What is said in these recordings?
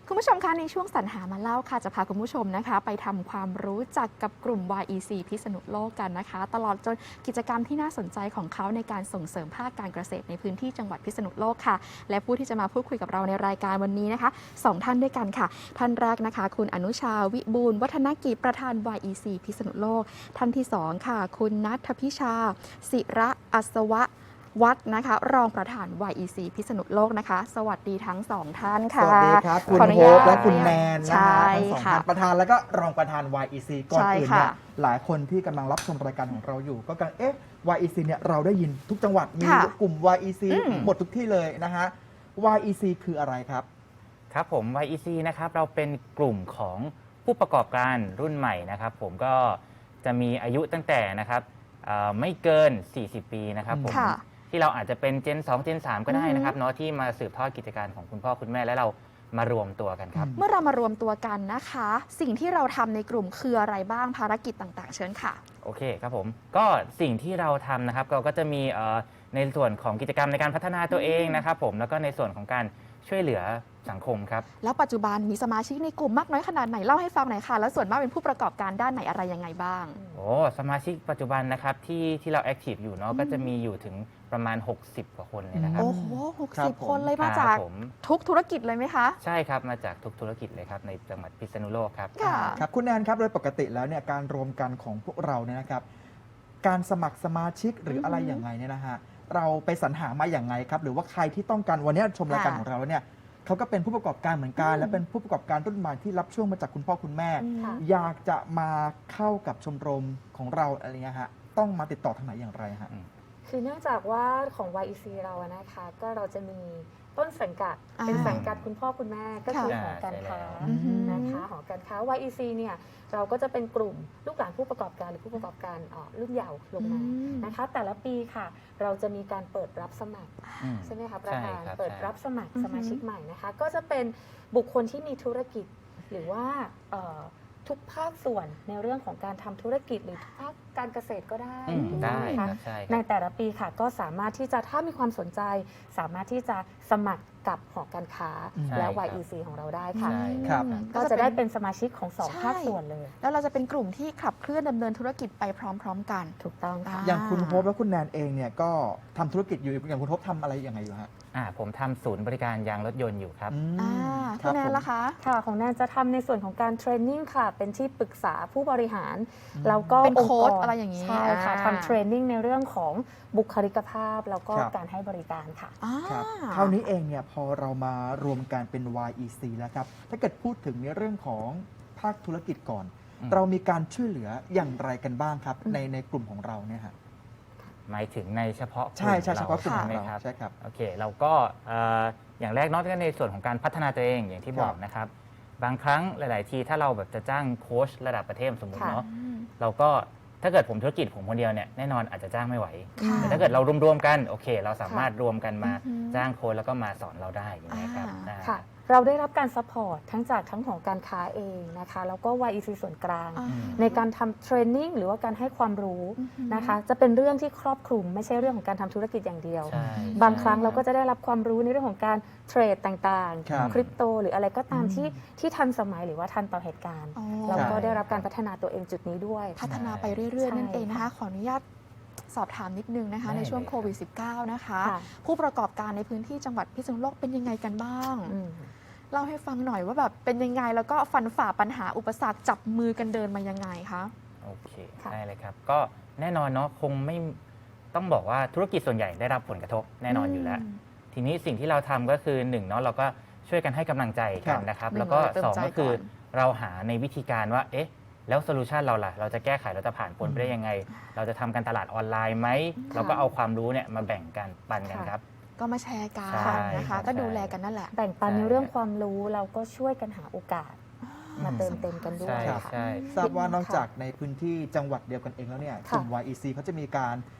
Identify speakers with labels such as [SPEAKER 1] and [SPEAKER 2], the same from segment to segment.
[SPEAKER 1] คุณผู้ชมคะในช่วงสรรหามาเล่าค่ะจะพาคุณผู้ชมนะคะไปทำความรู้จักกับกลุ่ม YEC พิษณุโลกกันนะคะตลอดจนกิจกรรมที่น่าสนใจของเขาในการส่งเสริมภาคการเกษตรในพื้นที่จังหวัดพิษณุโลกค่ะและผู้ที่จะมาพูดคุยกับเราในรายการวันนี้นะคะ2ท่านด้วยกันค่ะท่านแรกนะคะคุณอนุชาวิบูลย์วัฒนกิจประธาน YEC พิษณุโลกท่านที่2ค่ะคุณณัฐพิชาศิระอัศวะวัดนะคะรองประธาน YEC พิษณุโลกนะคะสวัสดีทั้งสองท่านค่ะ
[SPEAKER 2] สวัสดีครับคุณโฮปและคุณแนนนะฮะทั้งสองท่านประธานแล้วก็รองประธาน YEC ก่อนอื่นเนี่ยหลายคนที่กำลังรับชมรายการของเราอยู่ก็กำลังYEC เนี่ยเราได้ยินทุกจังหวัดมีกลุ่ม YEC หมดทุกที่เลยนะฮะ YEC คืออะไรครับ
[SPEAKER 3] ครับผม YEC นะครับเราเป็นกลุ่มของผู้ประกอบการรุ่นใหม่นะครับผมก็จะมีอายุตั้งแต่นะครับไม่เกิน40ปีนะครับผมที่เราอาจจะเป็น Gen 2 Gen 3 ก็ได้นะครับเนาะที่มาสืบทอดกิจการของคุณพ่อคุณแม่และเรามารวมตัวกันครับ
[SPEAKER 1] เมื่อเรามารวมตัวกันนะคะสิ่งที่เราทำในกลุ่มคืออะไรบ้างภารกิจต่างๆเชิญค่ะ
[SPEAKER 3] โอเคครับผมก็สิ่งที่เราทำนะครับเราก็จะมีในส่วนของกิจกรรมในการพัฒนาตัวเองนะครับผมแล้วก็ในส่วนของการช่วยเหลือสังคมครับ
[SPEAKER 1] แล้วปัจจุบันมีสมาชิกในกลุ่มมากน้อยขนาดไหนเล่าให้ฟังหน่อยค่ะแล้วส่วนมากเป็นผู้ประกอบการด้านไหนอะไรยังไงบ้าง
[SPEAKER 3] โอ้สมาชิกปัจจุบันนะครับที่เราแอคทีฟอยู่เนาะก็จะมีอยู่ถึงประมาณ60 กว่าคนเลยนะครับ
[SPEAKER 1] โอ้โห60 คนเลยมาจากทุกธุรกิจเลยไหมคะ
[SPEAKER 3] ใช่ครับมาจากทุกธุรกิจเลยครับในจังหวัดพิษณุโลกครับ
[SPEAKER 2] ครับคุณแนนครับโดยปกติแล้วเนี่ยการรวมกันของพวกเราเนี่ยนะครับการสมัครสมาชิกหรืออะไรอย่างไรเนี่ยนะฮะเราไปสรรหามาอย่างไงครับหรือว่าใครที่ต้องการวันนี้ชมรายการของเราเนี่ยเขาก็เป็นผู้ประกอบการเหมือนกันและเป็นผู้ประกอบการรุ่นใหม่ที่รับช่วงมาจากคุณพ่อคุณแม่อยากจะมาเข้ากับชมรมของเราอะไรเงี้ยฮะต้องมาติดต่อทางไหนอย่างไรฮะ
[SPEAKER 4] คือเนื่องจากว่าของ YEC เรานะคะก็เราจะมีต้นสังกัดเป็นสังกัดคุณพ่อคุณแม่ก็คือหอการค้านะคะหอการค้า YEC เนี่ยเราก็จะเป็นกลุ่มลูกหลานผู้ประกอบการหรือผู้ประกอบการรุ่นเยาว์ลงมานะคะแต่ละปีค่ะเราจะมีการเปิดรับสมัครใช่ไหมคะประธานเปิดรับสมัครสมาชิกใหม่นะคะก็จะเป็นบุคคลที่มีธุรกิจหรือว่าทุกภาคส่วนในเรื่องของการทำธุรกิจหรือทุกภาคการเกษตรก็ได้
[SPEAKER 3] นะคะ
[SPEAKER 4] ในแต่ละปีค่ะก็สามารถที่จะถ้ามีความสนใจสามารถที่จะสมัครกับหอการค้าและ YEC ของเราได้ค่ะก็จะได้เป็นสมาชิกของ2ภาคส่วนเลย
[SPEAKER 1] แล้วเราจะเป็นกลุ่มที่ขับเคลื่อนดำเนินธุรกิจไปพร้อมๆกัน
[SPEAKER 4] ถูกต้องค่ะ
[SPEAKER 2] อย่างคุณโฮปและคุณแนนเองเนี่ยก็ทำธุรกิจอยู่อย่างคุณโฮปทำอะไรอย่างไรอยู่ฮะ
[SPEAKER 3] ผมทำศูนย์บริการยางรถยนต์อยู่ครับ
[SPEAKER 1] คุณแนนล่ะคะ
[SPEAKER 4] ค่ะของแนนจะทำในส่วนของการเทรนนิ่งค่ะเป็นที่ปรึกษาผู้บริหารแล้วก็
[SPEAKER 1] เป็นโค้ชอะไรอย่างนี้
[SPEAKER 4] ใช่ค่ะทำเทรนนิ่งในเรื่องของบุคลิกภาพแล้วก็การให้บริการค่ะ
[SPEAKER 2] ครับคราวนี้เองเนี่ยพอเรามารวมกันเป็น YEC แล้วครับถ้าเกิดพูดถึงในเรื่องของภาคธุรกิจก่อนเรามีการช่วยเหลืออย่างไรกันบ้างครับในกลุ่มของเราเนี่ยฮะ
[SPEAKER 3] หมายถึงในเฉพาะ
[SPEAKER 2] ใช่เฉพาะกลุ่มของเรา
[SPEAKER 3] ใช่ครับโอเคเราก็อย่างแรกนอกจากในส่วนของการพัฒนาตัวเองอย่างที่บอกนะครับบางครั้งหลายๆทีถ้าเราแบบจะจ้างโค้ชระดับประเทศสมมติเนาะเราก็ถ้าเกิดผมธุรกิจผมคนเดียวเนี่ยแน่นอนอาจจะจ้างไม่ไหวแต่ถ้าเกิดเรารวมๆกันโอเคเราสามารถรวมกันมาจ้างโค้ชแล้วก็มาสอนเราได้อย่างนี้ครับ
[SPEAKER 4] ค่ะเราได้รับการซัพพอร์ตทั้งจากทั้งของการค้าเองนะคะแล้วก็ YEC ส่วนกลางในการทำเทรนนิ่งหรือว่าการให้ความรู้นะคะจะเป็นเรื่องที่ครอบคลุมไม่ใช่เรื่องของการทำธุรกิจอย่างเดียวบางครั้งเราก็จะได้รับความรู้ในเรื่องของการเทรดต่างๆคริปโตหรืออะไรก็ตามที่ทันสมัยหรือว่าทันต่อเหตุการณ์เราก็ได้รับการพัฒนาตัวเองจุดนี้ด้วย
[SPEAKER 1] พัฒนาไปเรื่อยๆนั่นเองนะคะขออนุญาตสอบถามนิดนึงนะคะในช่วงโควิด -19 นะคะผู้ประกอบการในพื้นที่จังหวัดพิษณุโลกเป็นยังไงกันบ้างเล่าให้ฟังหน่อยว่าแบบเป็นยังไงแล้วก็ฟันฝ่าปัญหาอุปสรรคจับมือกันเดินมายังไงคะ
[SPEAKER 3] โอเคได้เลยครับก็แน่นอนเนาะคงไม่ต้องบอกว่าธุรกิจส่วนใหญ่ได้รับผลกระทบแน่นอนอยู่แล้วทีนี้สิ่งที่เราทำก็คือ1เนาะเราก็ช่วยกันให้กำลังใจกันนะครับแล้วก็2ก็คือเราหาในวิธีการว่าเอ๊ะแล้วโซลูชันเราล่ะเราจะแก้ไขเราจะผ่านพ้นไปได้ยังไงเราจะทำการตลาดออนไลน์ไหมเราก็เอาความรู้เนี่ยมาแบ่งกันปันกันครับ
[SPEAKER 1] ก็มาแชร์กันนะคะก็ดูแลกันนั่นแหละ
[SPEAKER 4] แบ่งปันในเรื่องความรู้เราก็ช่วยกันหาโอกาสมาเติมเต็มกันด้วย
[SPEAKER 2] ทราบว่านอกจากในพื้นที่จังหวัดเดียวกันเองแล้วเนี่ยกลุ่ม YEC เขาจะมีการ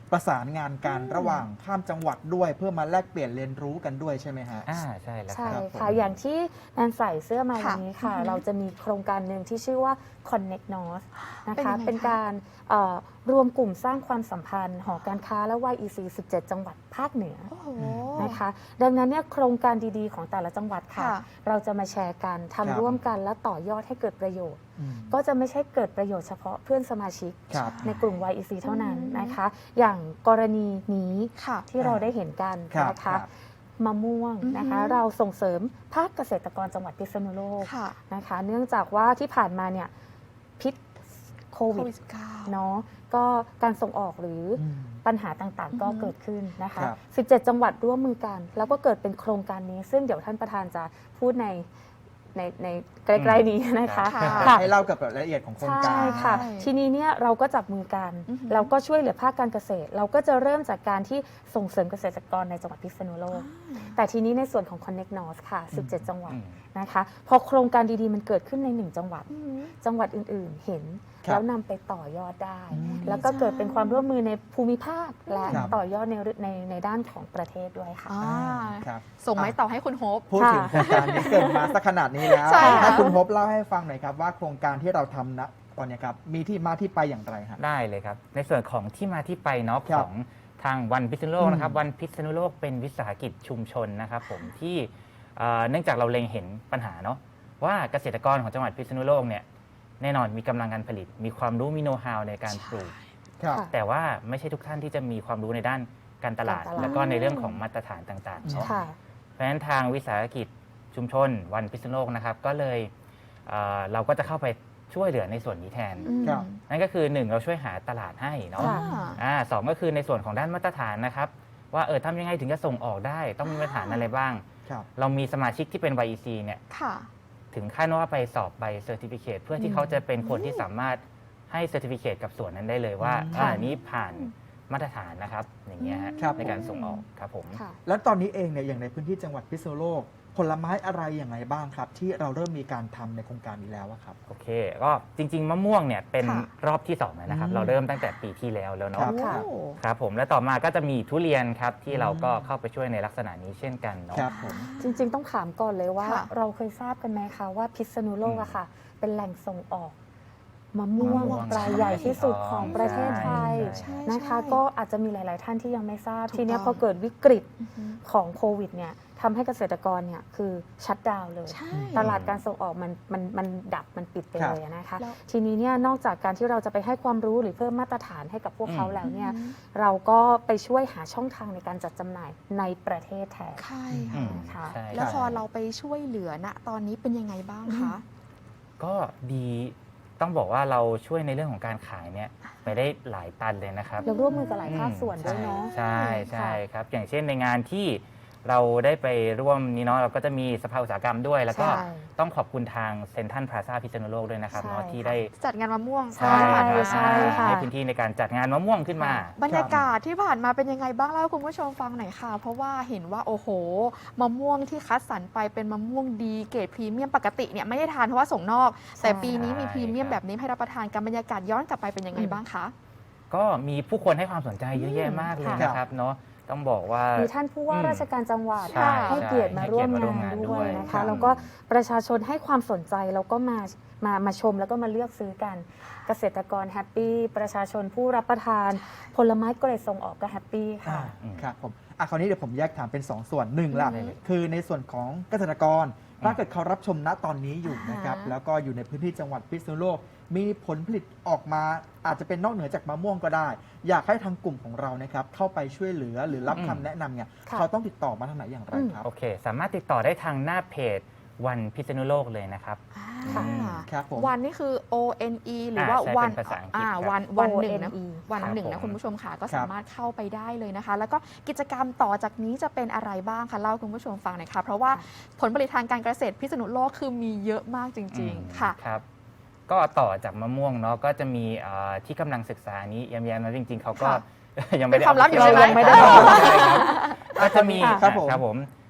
[SPEAKER 2] ประสานงานกันระหว่างข้ามจังหวัดด้วย เพื่อมาแลกเปลี่ยนเรียนรู้กันด้วยใช่ไหมฮะ
[SPEAKER 3] ใช่แล้วค
[SPEAKER 4] ใช่
[SPEAKER 3] รับ
[SPEAKER 4] ค่ะ อย่างที่แนนใส่เสื้อมา
[SPEAKER 1] ค่ะ
[SPEAKER 4] วันนี้ค่ะ
[SPEAKER 1] อือฮึ
[SPEAKER 4] เราจะมีโครงการหนึ่งที่ชื่อว่า Connect North นะ
[SPEAKER 1] เป็นยั
[SPEAKER 4] คะ
[SPEAKER 1] งไงคะ
[SPEAKER 4] เป็นการรวมกลุ่มสร้างความสัมพันธ์หอการค้าและ YEC 17 จังหวัดภาคเหนือ
[SPEAKER 1] โอ้โห
[SPEAKER 4] นะคะ ดังนั้นเนี่ยโครงการดีๆของแต่ละจังหวัดค่ะ
[SPEAKER 1] ค่ะ
[SPEAKER 4] เราจะมาแชร์กัน
[SPEAKER 2] ครับ
[SPEAKER 4] ทำร่วมกันและต่อยอดให้เกิดประโยชน์
[SPEAKER 2] อืม
[SPEAKER 4] ก็จะไม่ใช่เกิดประโยชน์เฉพาะเพื่อนสมาชิก
[SPEAKER 2] ครับ
[SPEAKER 4] ในกลุ่ม YEC เท่านั้น
[SPEAKER 1] อืม
[SPEAKER 4] นะคะ อย่างกรณีนี้
[SPEAKER 1] ค่ะ
[SPEAKER 4] ที่เราได้เห็นกัน
[SPEAKER 2] ครับ
[SPEAKER 4] นะ
[SPEAKER 2] ครั
[SPEAKER 4] คะ
[SPEAKER 2] บ
[SPEAKER 4] มะม่วงนะคะ
[SPEAKER 1] อือฮึ
[SPEAKER 4] เราส่งเสริมภาคเกษตรกรจังหวัดพิษณุโลก
[SPEAKER 1] ค่ะ
[SPEAKER 4] นะคะ เนื่องจากว่าที่ผ่านมาเนี่ยพิษโค
[SPEAKER 1] โค
[SPEAKER 4] วิด
[SPEAKER 1] วิด19
[SPEAKER 4] เนาะก็การส่งออกหรือ
[SPEAKER 2] อืม
[SPEAKER 4] ปัญหาต่างๆ ก็
[SPEAKER 1] อือฮึ
[SPEAKER 4] เกิดขึ้นนะคะ
[SPEAKER 2] ครับ
[SPEAKER 4] 17 จังหวัดร่วมมือกัน แล้วก็เกิดเป็นโครงการนี้ ซึ่งเดี๋ยวท่านประธานจะพูดในใกล้ๆนี้นะคะ
[SPEAKER 1] ค่ะ
[SPEAKER 4] ค่ะ
[SPEAKER 2] ให้เล่ากับรายละเอียดของโครงการ
[SPEAKER 4] ใช่ค่ะ
[SPEAKER 1] ใช่
[SPEAKER 4] ทีนี้เนี่ยเราก็จับมือกัน
[SPEAKER 1] อือหือ
[SPEAKER 4] เราก็ช่วยเหลือภาคการเกษตร เราก็จะเริ่มจากการที่ส่งเสริมเกษตรกรในจังหวัดพิษณุโลก แต่ทีนี้ในส่วนของ Connect North ค่ะ 17 จังหวัด
[SPEAKER 3] อืม
[SPEAKER 4] นะคะ พอโครงการดีๆ มันเกิดขึ้นใน 1 จังหวัด
[SPEAKER 1] อืม
[SPEAKER 4] จังหวัดอื่นๆ เห็น
[SPEAKER 2] ครับ
[SPEAKER 4] แล้วนำไปต่อยอดได้
[SPEAKER 2] อืม
[SPEAKER 4] แล้วก็เกิดเป็นความร่วมมือในภูมิภาคและ
[SPEAKER 2] ครับ
[SPEAKER 4] ต่อยอดในด้านของประเทศด้วยค่ะ
[SPEAKER 1] อ่า
[SPEAKER 2] ครับ
[SPEAKER 1] ส่งไม้ต่อให้คุณโฮป
[SPEAKER 2] พูดถึงโครงการนี้เกิดมาสักขนาดนี้แล้ว
[SPEAKER 1] ใช่ค่ะ
[SPEAKER 2] ให้คุณพบเล่าให้ฟังหน่อยครับว่าโครงการที่เราทำณตอนนี้ครับมีที่มาที่ไปอย่างไรฮะ
[SPEAKER 3] ได้เลยครับ ในส่วนของที่มาที่ไปเนาะ
[SPEAKER 2] ครั
[SPEAKER 3] ข
[SPEAKER 2] บ
[SPEAKER 3] องทางวันพิษณุโลกนะครับ
[SPEAKER 2] อืม
[SPEAKER 3] วันพิษณุโลกเป็นวิสาหกิจชุมชนนะครับผมที่เนื่องจากเราเล็งเห็นปัญหาเนาะว่าเกษตรกรของจังหวัดพิษณุโลกเนี่ยแน่นอนมีกำลังการผลิต มีความรู้มีโน้ตฮาวในการปลูก
[SPEAKER 2] ครับ
[SPEAKER 4] ค่ะ
[SPEAKER 3] แต่ว่าไม่ใช่ทุกท่านที่จะมีความรู้ในด้านการตลาด
[SPEAKER 4] การตลาด
[SPEAKER 3] แล้วก็ในเรื่องของมาตรฐานต่างๆเนาะ
[SPEAKER 4] ค่ะ
[SPEAKER 3] เพราะฉะนั้นทางวิสาหกิจชุมชนวันพิษณุโลกนะครับก็เลยเราก็จะเข้าไปช่วยเหลือในส่วนนี้แทน
[SPEAKER 1] อืม
[SPEAKER 2] ครับ
[SPEAKER 3] นั่นก็คือ 1 เราช่วยหาตลาดให้เนาะ
[SPEAKER 4] ค่ะ
[SPEAKER 3] สองก็คือในส่วนของด้านมาตรฐานนะครับว่าทำยังไงถึงจะส่งออกได้ต้องมีมาตรฐานอะไรบ้าง
[SPEAKER 2] ครับ
[SPEAKER 3] เรามีสมาชิกที่เป็น YEC เนี่ย
[SPEAKER 1] ค่ะ
[SPEAKER 3] ถึงขั้นว่าไปสอบใบเซอร์ติฟิเคเพื่อที่เขาจะเป็นคนที่สามารถให้เซอร์ติฟิเคกับส่วนนั้นได้เลยว่า
[SPEAKER 2] ค่ะ
[SPEAKER 3] อันนี้ผ่านมาตรฐานนะครับอย่างเงี้ยฮะ
[SPEAKER 2] ครับ
[SPEAKER 3] ในการส่งออกครับผม
[SPEAKER 4] ค่ะ
[SPEAKER 2] แล้วตอนนี้เองเนี่ยอย่างในพื้นที่จังหวัดพิษณุโลก ผลไม้อะไรอย่างไรบ้างครับ ที่เราเริ่มมีการทำในโครงการนี้แล้วอะครับ
[SPEAKER 3] โอเค ก็จริง ๆ มะม่วงเนี่ยเป็น
[SPEAKER 1] ค่ะ
[SPEAKER 3] รอบที่2แล้วนะครับ
[SPEAKER 2] อืม
[SPEAKER 3] เราเริ่มตั้งแต่ปีที่แล้วแล้ว
[SPEAKER 2] ครั
[SPEAKER 3] เนาะ
[SPEAKER 2] บ
[SPEAKER 1] โอ้
[SPEAKER 3] ครับผมแล้วต่อมาก็จะมีทุเรียนครับที่เราก็เข้าไปช่วยในลักษณะนี้เช่นกันเนาะ
[SPEAKER 2] ครับผม
[SPEAKER 4] จริงๆ ต้องถามก่อนเลยว่า
[SPEAKER 1] ค่ะ
[SPEAKER 4] เราเคยทราบกันไหมคะว่าพิษณุโลกอะค่ะ เป็นแหล่งส่งออกมะม่วง
[SPEAKER 3] มะม่วง
[SPEAKER 4] รายใหญ่ที่สุด
[SPEAKER 3] ใช่
[SPEAKER 4] ของประเทศไทย
[SPEAKER 1] ใช่
[SPEAKER 4] นะคะ
[SPEAKER 1] ใช่
[SPEAKER 4] ก็อาจจะมีหลายๆ ท่านที่ยังไม่ทราบ
[SPEAKER 1] ถูก
[SPEAKER 4] ทีเนี้ย
[SPEAKER 1] ต้อง
[SPEAKER 4] พอเกิดวิกฤต
[SPEAKER 1] อือฮึ
[SPEAKER 4] ของโควิดเนี่ยทำให้เกษตรกรเนี่ยคือชัดดาวน์เลย
[SPEAKER 1] ใช่
[SPEAKER 4] ตลาดการส่งออกมันดับมันปิดไป
[SPEAKER 2] ครับ
[SPEAKER 4] เลยอะนะคะ
[SPEAKER 1] แล้ว
[SPEAKER 4] ทีนี้เนี่ยนอกจากการที่เราจะไปให้ความรู้หรือเพิ่มมาตรฐานให้กับพวกเขา
[SPEAKER 3] อืม
[SPEAKER 4] แล้วเนี่ย
[SPEAKER 1] อืม
[SPEAKER 4] เราก็ไปช่วยหาช่องทางในการจัดจำหน่ายในประเทศแทน
[SPEAKER 1] ใช่
[SPEAKER 3] อื
[SPEAKER 1] ค่ะ
[SPEAKER 3] มใช่
[SPEAKER 1] แล้ว
[SPEAKER 3] ครับ
[SPEAKER 1] พอเราไปช่วยเหลือณตอนนี้เป็นยังไงบ้างคะ
[SPEAKER 3] ก็ดีต้องบอกว่าเราช่วยในเรื่องของการขายเนี่ยไปได้หลายตันเลยนะครับ
[SPEAKER 4] เราร่วมมือกับหลายภาคส่วนด้วยเนาะ
[SPEAKER 3] ใช่
[SPEAKER 4] ค่ะ
[SPEAKER 3] ใช่ครับ อย่างเช่นในงานที่เราได้ไปร่วมนี้เนาะเราก็จะมีสภาอุตสาหกรรมด้วย แล้วก็
[SPEAKER 4] ใช่
[SPEAKER 3] ต้องขอบคุณทางเซ็นทรัลพลาซ่าพิษณุโลกด้วยนะครับ
[SPEAKER 4] ใช่
[SPEAKER 3] เนาะที่
[SPEAKER 4] ค่ะ
[SPEAKER 3] ได้
[SPEAKER 1] จัดงานมะม่วง
[SPEAKER 4] ใช่
[SPEAKER 3] ครับ
[SPEAKER 4] ใช่ค่ะ
[SPEAKER 3] ให้พื้นที่ในการจัดงานมะม่วงขึ้นมา
[SPEAKER 1] บรรยากาศที่ผ่านมาเป็นยังไงบ้างเล่าให้คุณผู้ชมฟังหน่อยค่ะ เพราะว่าเห็นว่าโอ้โหมะม่วงที่คัดสรรไปเป็นมะม่วงดีเกรดพรีเมียมปกติเนี่ยไม่ได้ทานเพราะว่าส่งนอก แต่ปีนี้มีพรีเมียมแบบนี้ให้รับประทานกันบรรยากาศย้อนกลับไปเป็นยังไงบ้างคะ
[SPEAKER 3] ก็มีผู้คนให้ความสนใจเยอะแยะมากเลย
[SPEAKER 4] ค่ะ
[SPEAKER 3] นะครับเนาะต้องบอกว่า
[SPEAKER 4] มีท่านผู้ว่าราชการจังหวัด
[SPEAKER 3] ใช่
[SPEAKER 4] ให้เกียรติมาร่วม
[SPEAKER 3] ให้เกียรติมาร่วม
[SPEAKER 4] งาน
[SPEAKER 3] งานด้
[SPEAKER 4] ด้ว
[SPEAKER 3] วย ย
[SPEAKER 4] นะ
[SPEAKER 3] ครั
[SPEAKER 4] คะ
[SPEAKER 3] บ
[SPEAKER 4] แล้วก็ประชาชนให้ความสนใจแล้วก็มาชมแล้วก็มาเลือกซื้อกัน เกษตรกรแฮปปี้ประชาชนผู้รับประทาน ผลไม้เกรดส่งออกก็แฮปปี้ค่ะ
[SPEAKER 2] ครับผมคราวนี้เดี๋ยวผมแยกถามเป็น 2 ส่วนหนึ่งละ
[SPEAKER 3] ได้เลย
[SPEAKER 2] คือในส่วนของเกษตรกรถ้าเกิดเขารับชมณตอนนี้อยู่นะครับ
[SPEAKER 4] อ่าฮะ
[SPEAKER 2] แล้วก็อยู่ในพื้นที่จังหวัดพิษณุโลก มีผลผลิตออกมาอาจจะเป็นนอกเหนือจากมะม่วงก็ได้ อยากให้ทางกลุ่มของเรานะครับเข้าไปช่วยเหลือหรือรับคำแนะนำเนี่ย
[SPEAKER 4] ค่ะ
[SPEAKER 2] เขาต้องติดต่อมาทางไหนอย่างไรครับ
[SPEAKER 3] โอเค สามารถติดต่อได้ทางหน้าเพจวันพิษณุโลกเลยนะครับ
[SPEAKER 1] ค่ะ
[SPEAKER 2] ครับผม
[SPEAKER 1] วันนี่คือ ONE หรือว่า
[SPEAKER 3] ใช่
[SPEAKER 1] วัน
[SPEAKER 3] เป็นภาษาอังกฤษครับ
[SPEAKER 1] วันหนึ่งนะ
[SPEAKER 4] ONE
[SPEAKER 1] วันหนึ่ง
[SPEAKER 3] ครั
[SPEAKER 1] นะ
[SPEAKER 3] บผม
[SPEAKER 1] คุณผู้ชมค่ะก็
[SPEAKER 2] ครับ
[SPEAKER 1] สามารถเข้าไปได้เลยนะคะ แล้วก็กิจกรรมต่อจากนี้จะเป็นอะไรบ้างคะเล่าให้คุณผู้ชมฟังหน่อยค่ะเพราะว่าผลผลิตทางการเกษตรพิษณุโลกคือมีเยอะมากจริง ๆ ค่ะ
[SPEAKER 3] ครับ ก็ต่อจากมะม่วงเนาะก็จะมีที่กำลังศึกษานี้แย้มๆนะจริง ๆเขาก็
[SPEAKER 1] ค่ะ
[SPEAKER 3] ยังไม่ได้
[SPEAKER 1] เป็นความลับอยู่ใช่ไหม
[SPEAKER 3] ยังไม่ได้บอกก็จะมี
[SPEAKER 2] ครับผม
[SPEAKER 3] ครับผม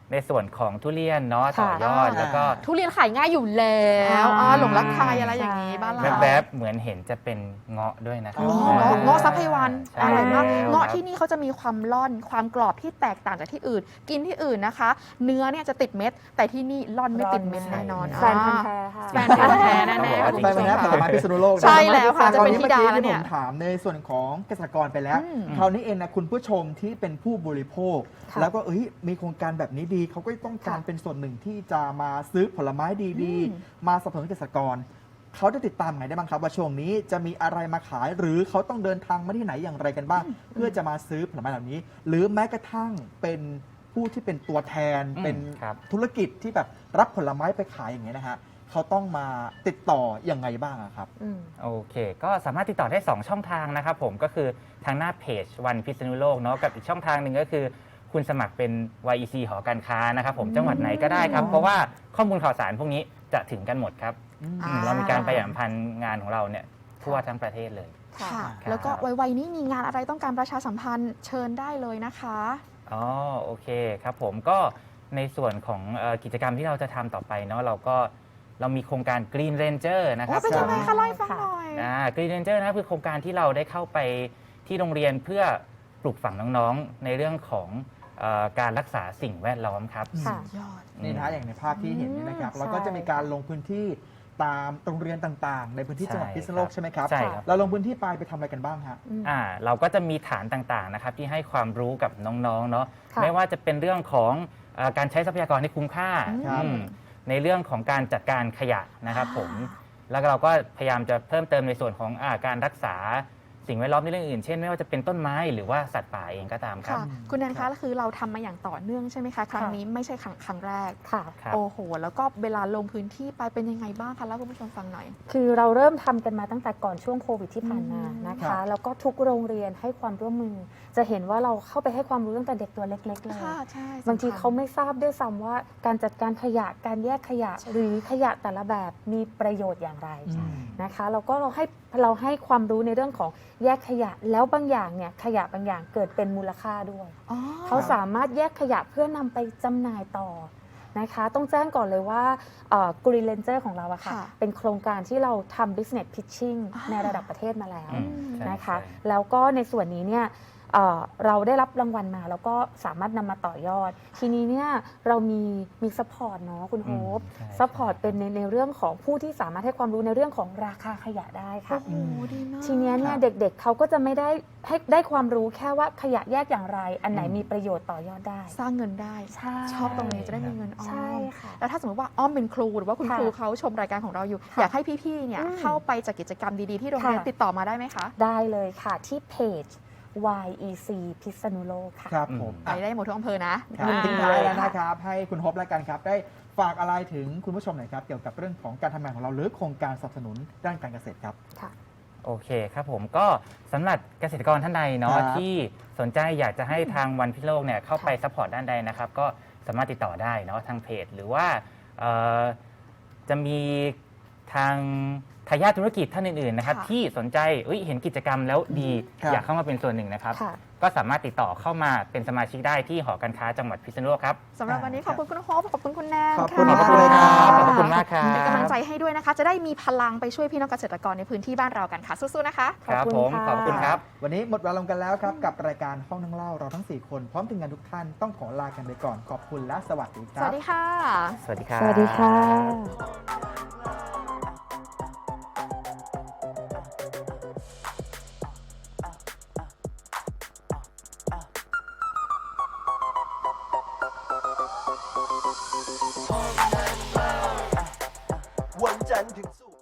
[SPEAKER 3] ในส่วนของทุเรียนเนาะต่อยอด
[SPEAKER 1] ค่ะ
[SPEAKER 3] แล้วก็
[SPEAKER 1] ทุเรียนขายง่ายอยู่แล้วหลงรักใครอะไรอย่างนี้บ้านเรา
[SPEAKER 3] แวบๆเหมือนเห็นจะเป็นเงาะด้วยนะครั
[SPEAKER 2] อ๋
[SPEAKER 1] อ๋อเงาะซับไพวัน
[SPEAKER 3] ใช่
[SPEAKER 1] อร่อยมาก
[SPEAKER 3] แล้ว
[SPEAKER 1] เงาะ
[SPEAKER 3] ครับ
[SPEAKER 1] ที่นี่เขาจะมีความร่อนความกรอบที่แตกต่างจากที่อื่น กินที่อื่นนะคะ เนื้อเนี่ยจะติดเม็ด แต่ที่นี่ร่อนไม่ติดเม็ดแน่นอน
[SPEAKER 4] แฟนพันธุ์แท้ค่ะ
[SPEAKER 1] แฟนพันธุ์แท้แน่
[SPEAKER 3] ต้องบอก
[SPEAKER 1] ๆ
[SPEAKER 3] ว่า
[SPEAKER 1] คุณ
[SPEAKER 2] ไป
[SPEAKER 1] ผู้ช
[SPEAKER 2] วัน
[SPEAKER 1] ม
[SPEAKER 2] นี้ผล
[SPEAKER 1] ค่ะ
[SPEAKER 2] ไม้พิษณุโลก
[SPEAKER 1] ใช่แล้วค่ะ
[SPEAKER 2] ต
[SPEAKER 1] จะ
[SPEAKER 2] อน
[SPEAKER 1] เป็น
[SPEAKER 2] นี้
[SPEAKER 1] ธิ
[SPEAKER 2] เมื่อ
[SPEAKER 1] ดา
[SPEAKER 2] กี้
[SPEAKER 1] แล้ว
[SPEAKER 2] ที่
[SPEAKER 1] เนี่
[SPEAKER 2] ผ
[SPEAKER 1] ย
[SPEAKER 2] มถามในส่วนของเกษตรกรไปแล้ว
[SPEAKER 1] อืม
[SPEAKER 2] คราวนี้เองนะคุณผู้ชมที่เป็นผู้บริโภค
[SPEAKER 4] ค่ะ
[SPEAKER 2] แล้วก็มีโครงการแบบนี้ดีเขาก็ต้องการเป็นส่วนหนึ่งที่จะมาซื้อผลไม้ดี
[SPEAKER 1] อืม
[SPEAKER 2] ๆ มาสนับสนุนเกษตรกรเขาจะติดตามไงได้บ้างครับว่าช่วงนี้จะมีอะไรมาขาย หรือเขาต้องเดินทางมาที่ไหนอย่างไรกันบ้าง เพื่อจะมาซื้อผลไม้เหล่านี้ หรือแม้กระทั่งเป็นผู้ที่เป็นตัวแทน
[SPEAKER 3] อืม
[SPEAKER 2] เป็น
[SPEAKER 3] ครับ
[SPEAKER 2] ธุรกิจที่แบบรับผลไม้ไปขายอย่างเงี้ยนะฮะเขาต้องมาติดต่อยังไงบ้างอะครับ
[SPEAKER 4] อืม
[SPEAKER 3] โอเค ก็สามารถติดต่อได้ 2 ช่องทางนะครับผมก็คือทางหน้าเพจวันพิษณุโลกเนาะกับอีกช่องทางหนึ่งก็คือ คุณสมัครเป็น YEC หอการค้านะครับผมจังหวัดไหนก็ได้ครับ เพราะว่าข้อมูลข่าวสารพวกนี้จะถึงกันหมดครับ
[SPEAKER 1] อ่า
[SPEAKER 3] เรามีการประชาสัมพันธ์งานของเราเนี่ยทั่วทั้งประเทศเลย
[SPEAKER 1] ค่ะ
[SPEAKER 3] ครับ
[SPEAKER 1] แล้วก็ไวๆนี้มีงานอะไรต้องการประชาสัมพันธ์เชิญได้เลยนะคะ
[SPEAKER 3] อ๋อโอเคครับผมก็ในส่วนของกิจกรรมที่เราจะทำต่อไปเนาะเรามีโครงการ Green Ranger นะค
[SPEAKER 1] โอ้
[SPEAKER 3] รับ
[SPEAKER 1] เป็นยังไง
[SPEAKER 3] ผม
[SPEAKER 1] คะเล่าให้ฟังหน่อย
[SPEAKER 3] Green Ranger นะครับคือโครงการที่เราได้เข้าไปที่โรงเรียนเพื่อปลูกฝังน้องๆ ในเรื่องของการรักษาสิ่งแวดล้อมครับ
[SPEAKER 4] ค่ะ
[SPEAKER 1] ยอด
[SPEAKER 2] นี่นะฮะอย่างในภาพที่เห็นนี่นะครับ
[SPEAKER 4] ใช่
[SPEAKER 2] แล้วก็จะมีการลงพื้นที่ตามโรงเรียนต่างๆ ในพื้นที่จังหวัด
[SPEAKER 3] ใช่
[SPEAKER 2] พิษณุโลกใช่ไหมครับ
[SPEAKER 3] ใช่ครับ
[SPEAKER 2] เราลงพื้นที่ไปทำอะไรกันบ้างฮะ
[SPEAKER 4] อืม
[SPEAKER 3] เราก็จะมีฐานต่างๆนะครับที่ให้ความรู้กับน้องๆเนาะ
[SPEAKER 4] ค่ะ
[SPEAKER 3] ไม่ว่าจะเป็นเรื่องของการใช้ทรัพยากรให้คุ้มค่า
[SPEAKER 2] ครับ
[SPEAKER 3] ในเรื่องของการจัดการขยะนะครับผม แล้วก็เราก็พยายามจะเพิ่มเติมในส่วนของการรักษาสิ่งแวดล้อมในเรื่องอื่น เช่นไม่ว่าจะเป็นต้นไม้หรือว่าสัตว์ป่าเองก็ตามครับ
[SPEAKER 1] ค่ะ คุณแนนคะคือเราทำมาอย่างต่อเนื่องใช่ไหมคะ ครั้งนี้ไม่ใช่ครั้งแรก
[SPEAKER 4] ค่ะ
[SPEAKER 3] ครับ
[SPEAKER 1] โอ้โห แล้วก็เวลาลงพื้นที่ไปเป็นยังไงบ้างคะเล่าให้คุณผู้ชมฟังหน่อย
[SPEAKER 4] คือเราเริ่มทำกันมาตั้งแต่ก่อนช่วงโควิดที่ผ่านมานะ
[SPEAKER 2] ครั
[SPEAKER 4] คะ
[SPEAKER 2] บ
[SPEAKER 4] แล้วก็ทุกโรงเรียนให้ความร่วมมือ จะเห็นว่าเราเข้าไปให้ความรู้ตั้งแต่เด็กตัวเล็ก ๆ เลย
[SPEAKER 1] ค่ะ ใช่
[SPEAKER 4] บางที
[SPEAKER 1] สำคัญ
[SPEAKER 4] เขาไม่ทราบด้วยซ้ำว่าการจัดการขยะการแยกขยะ
[SPEAKER 1] ใช่
[SPEAKER 4] หรือขยะแต่ละแบบมีประโยชน์อย่างไร
[SPEAKER 2] อืม
[SPEAKER 4] นะคะแล้วก็เราให้ความรู้ในเรื่องของแยกขยะแล้วบางอย่างเนี่ยขยะบางอย่างเกิดเป็นมูลค่าด้วย
[SPEAKER 1] อ๋อ
[SPEAKER 4] เขาสามารถแยกขยะเพื่อนำไปจำหน่ายต่อนะคะต้องแจ้งก่อนเลยว่า Green Ranger ของเราอะค่ะ
[SPEAKER 1] ค่ะ
[SPEAKER 4] เป็นโครงการที่เราทำ business pitching
[SPEAKER 1] อ่า
[SPEAKER 4] ในระดับประเทศมาแล้ว
[SPEAKER 3] อืมใช่
[SPEAKER 4] นะคะ
[SPEAKER 3] ใช่
[SPEAKER 4] แล้วก็ในส่วนนี้เนี่ยเราได้รับรางวัลมาแล้วก็สามารถนำมาต่อยอด ทีนี้เนี่ยเรามีซัพพอร์ตเนาะคุณโฮป
[SPEAKER 3] ใช่
[SPEAKER 4] ซัพพอร์ตเป็นในเรื่องของผู้ที่สามารถให้ความรู้ในเรื่องของราคาขยะได้ค่ะ
[SPEAKER 1] โอ้โห ดีมาก
[SPEAKER 4] ทีเนี้ยเนี่ย
[SPEAKER 2] ครับ
[SPEAKER 4] เด็กๆเขาก็จะไม่ได้ความรู้แค่ว่าขยะแยกอย่างไร อันไหน
[SPEAKER 2] อืม
[SPEAKER 4] มีประโยชน์ต่อยอดได้
[SPEAKER 1] สร้างเงินได้
[SPEAKER 4] ใช่
[SPEAKER 1] ชอบตรงนี้จะได้มีเงินออ
[SPEAKER 4] ใช่
[SPEAKER 1] ม
[SPEAKER 4] ค่ะ
[SPEAKER 1] แล้วถ้าสมมติว่าอ้อมเป็นครูหรือว่าคุณ
[SPEAKER 4] ค่ะ
[SPEAKER 1] ครูเขาชมรายการของเราอยู่
[SPEAKER 4] ค่ะ
[SPEAKER 1] อยากให้พี่ๆ เนี่ย
[SPEAKER 4] อืม
[SPEAKER 1] เข้าไปจัดกิจกรรมดีๆ ที่โรงเรียน
[SPEAKER 4] ค่ะ
[SPEAKER 1] ติดต่อมาได้ไหมคะ
[SPEAKER 4] ได้เลยค่ะที่เพจ YEC พิษณุโลกค่ะ
[SPEAKER 2] ครับผม
[SPEAKER 1] ไปได้หมดทุกอำเภอนะ
[SPEAKER 2] ครับ
[SPEAKER 1] อ่า
[SPEAKER 2] ทิ้งท้ายแล้วนะครับ ให้คุณฮบและกันครับ ได้ฝากอะไรถึงคุณผู้ชมหน่อยครับ เกี่ยวกับเรื่องของการทำงานของเราหรือโครงการสนับสนุนด้านการเกษตรครับ
[SPEAKER 3] โอเคครับผมก็สำหรับเกษตรกรท่านใดเนาะ
[SPEAKER 2] ครับ
[SPEAKER 3] ที่สนใจอยากจะให้ทางวันพิษณุโลกเนี่ยเข้าไปซัพพอร์ตด้านใดนะครับก็สามารถติดต่อได้เนาะทางเพจ หรือว่าจะมีทางทายาทธุรกิจท่านอื่นๆนะครับ
[SPEAKER 1] ค่ะ
[SPEAKER 3] ที่สนใจเห็นกิจกรรมแล้วดี
[SPEAKER 2] ครับ
[SPEAKER 3] อยากเข้ามาเป็นส่วนหนึ่งนะครับ
[SPEAKER 4] ค่ะ
[SPEAKER 3] ก็สามารถติดต่อเข้ามาเป็นสมาชิกได้ที่หอการค้าจังหวัดพิษณุโลกครับ
[SPEAKER 1] สำหรับวันนี้ขอบคุณคุณโฮปขอบคุณคุณแนน
[SPEAKER 2] ขอบคุณ
[SPEAKER 1] ะ
[SPEAKER 2] ขอบคุณเลยครับ
[SPEAKER 3] ขอบคุณมากครับ
[SPEAKER 1] เป็นกำลังใจให้ด้วยนะคะ จะได้มีพลังไปช่วยพี่น้องเกษตรกรในพื้นที่บ้านเรากันค่ะ สู้ๆ นะคะ
[SPEAKER 3] ครับ
[SPEAKER 4] ขอบ
[SPEAKER 3] ผ
[SPEAKER 4] คุ
[SPEAKER 3] ม
[SPEAKER 4] ณค่ะ
[SPEAKER 3] ขอบคุณครับ
[SPEAKER 2] วันนี้หมดเวลาลงกันแล้วครับ กับรายการห้องนั่งเล่าเราทั้ง 4 คนพร้อมทีมงานทุกท่านต้องขอลากันไปก่อนขอบคุณและสวัสดีค
[SPEAKER 1] ส
[SPEAKER 2] รับ
[SPEAKER 1] วัสดีค่ะ
[SPEAKER 3] สวัสดีครับ
[SPEAKER 4] สวัสดีค่ะ